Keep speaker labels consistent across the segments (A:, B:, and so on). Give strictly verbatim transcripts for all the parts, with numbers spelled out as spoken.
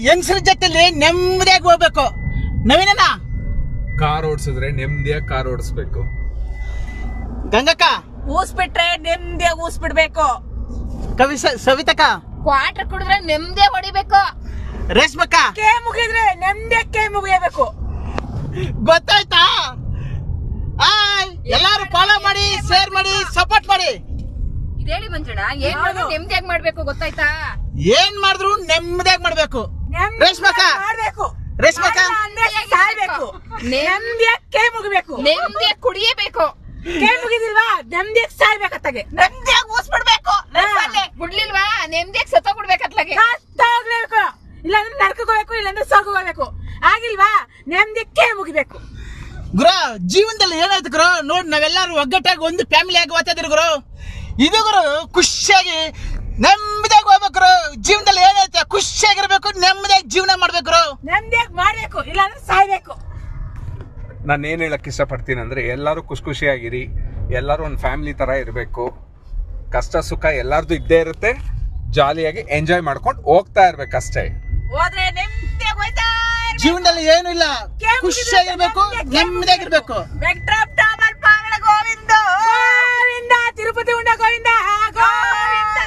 A: ಹೆಂಗಸರ ಜೊತೆಲಿ ನೆಮ್ಮದಿಯಾಗಿ ಹೋಗ್ಬೇಕು. ನವೀನಣ್ಣ
B: ಕಾರ್ ಓಡಿಸಿದ್ರೆ ನೆಮ್ಮದಿಯಾಗಿ ಕಾರ್ ಓಡಿಸ್ಬೇಕು.
A: ಗಂಗಕ್ಕ
C: ಊಸ್ಬಿಟ್ರೆ ನೆಮ್ಮದಿಯಾಗಿ ಊಸ್ಬಿಡ್ಬೇಕು.
A: ಕವಿ ಸವಿತಕ್ಕ
D: ಕ್ವಾರ್ಟರ್ ಕುಡಿದ್ರೆ ನೆಮ್ಮದಿ ಹೊಡಿಬೇಕು.
A: ರೇಷ್ಮಕ್ಕ
C: ಕೇ ಮುಗಿದ್ರೆ ನೆಮ್ಮದಿಯಾಗಿ ಕೇ ಮುಗಿಯಬೇಕು.
A: ಗೊತ್ತಾಯ್ತಾ? ಆಯ್ ಎಲ್ಲಾರು ಫಾಲೋ ಮಾಡಿ, ಶೇರ್ ಮಾಡಿ, ಸಪೋರ್ಟ್ ಮಾಡಿ.
D: ಇದೇಳಿ ಮಂಜಣ್ಣ, ಏನ್ ಮಾಡ್ಬೇಕು ನೆಮ್ಮದಿಯಾಗಿ ಮಾಡ್ಬೇಕು ಗೊತ್ತಾಯ್ತಾ?
A: ಏನ್ ಮಾಡಿದ್ರು ನೆಮ್ಮದಿಯಾಗಿ ಮಾಡ್ಬೇಕು. ರೇಷ್ಮಕ್ಕ
C: ಮಾಡ್ಬೇಕು.
A: ರೇಷ್ಮಕ್ಕ
C: ಸಾಯ್ಬೇಕು. ನೆಮ್ಮದಿಯಾಗಿ ಕೇ ಮುಗಿಬೇಕು.
D: ನೆಮ್ಮದಿಯಾಗಿ ಕುಡಿಯಬೇಕು.
C: ಕೇ ಮುಗಿದಿಲ್ವಾ ನೆಮ್ಮದಿಯಾಗಿ ಸಾಯ್ಬೇಕತ್ತಾಗೆ. ನೆಮ್ಮದಿಯಾಗಿ ಊಸ್ಬಿಡ್ಬೇಕು.
D: ಬಿಡ್ಲಿಲ್ವಾ ನೆಮ್ಮದಿಯಾಗಿ ಸತ್ತ ಬಿಡ್ಬೇಕತ್ಲಾಗೆ.
C: ಹೋಗ್ಲೇಬೇಕು. ಇಲ್ಲಾಂದ್ರೆ ನರಕಕ್ಕೆ ಹೋಗ್ಬೇಕು, ಇಲ್ಲಾಂದ್ರೆ ಸ್ವರ್ಗ ಹೋಗ್ಬೇಕು. ಆಗಿಲ್ವಾ ನೆಮ್ಮದಿಯಾಗಿ ಕೇ ಮುಗಿಬೇಕು.
A: ಗುರು ಜೀವನದಲ್ಲಿ ಏನಾಯ್ತು ಗುರು? ನೋಡಿ ನಾವೆಲ್ಲರೂ ಒಗ್ಗಟ್ಟಾಗಿ ಒಂದು ಫ್ಯಾಮಿಲಿ ಆಗಿ ಓದ್ತಿದ್ರು ಗುರು. ಇದು ಗುರು ಖುಷಿಯಾಗಿ ನೆಮ್ಮದಿಯಾಗಿ ಹೋಗ್ಬೇಕು ಗುರು. ಜೀವನದಲ್ಲಿ ಏನಾಯ್ತು ಖುಷಿಯಾಗಿರ್ಬೇಕು, ನೆಮ್ಮದಿಯಾಗಿ ಜೀವನ ಮಾಡ್ಬೇಕು ಗುರು.
C: ನೆಮ್ಮದಿಯಾಗಿ ಮಾಡ್ಬೇಕು, ಇಲ್ಲಾಂದ್ರೆ ಸಾಯ್ಬೇಕು.
B: ನಾನು ಏನು ಹೇಳಕ್ಕೆ ಇಷ್ಟಪಡ್ತೀನಿ ಅಂದರೆ, ಎಲ್ಲರೂ ಖುಷಿ ಖುಷಿಯಾಗಿರಿ. ಎಲ್ಲರೂ ಒಂದು ಫ್ಯಾಮಿಲಿ ಥರ ಇರಬೇಕು. ಕಷ್ಟ ಸುಖ ಎಲ್ಲರದು ಇದ್ದೇ ಇರುತ್ತೆ. ಜಾಲಿಯಾಗಿ ಎಂಜಾಯ್ ಮಾಡ್ಕೊಂಡು ಹೋಗ್ತಾ ಇರ್ಬೇಕಷ್ಟೇ.
C: ಹೋದ್ರೆ ನೆಮ್ಮದಿಯಾಗಿ ಹೋಯ್ತಾ ಇರ್ಬೇಕು.
A: ಜೀವನದಲ್ಲಿ ಏನು ಇಲ್ಲ, ಖುಷಿಯಾಗಿರ್ಬೇಕು, ನೆಮ್ಮದಿಯಾಗಿರ್ಬೇಕು.
C: ವೆಂಕಟರಮಣ ಪಾವನ ಗೋವಿಂದ ಗೋವಿಂದ, ತಿರುಪತಿ ಉಂಡ ಗೋವಿಂದ ಗೋವಿಂದ.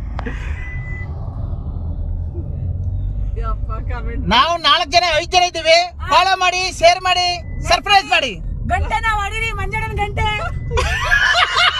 A: ನಾವು ನಾಲ್ಕು ಜನ ಐದು ಜನ ಇದ್ದೀವಿ. ಫಾಲೋ ಮಾಡಿ, ಶೇರ್ ಮಾಡಿ, ಸರ್ಪ್ರೈಸ್ ಮಾಡಿ.
C: ಗಂಟೆ ನಾವು ಹೊಡೀರಿ, ಮಂಜಣ್ಣನ ಗಂಟೆ.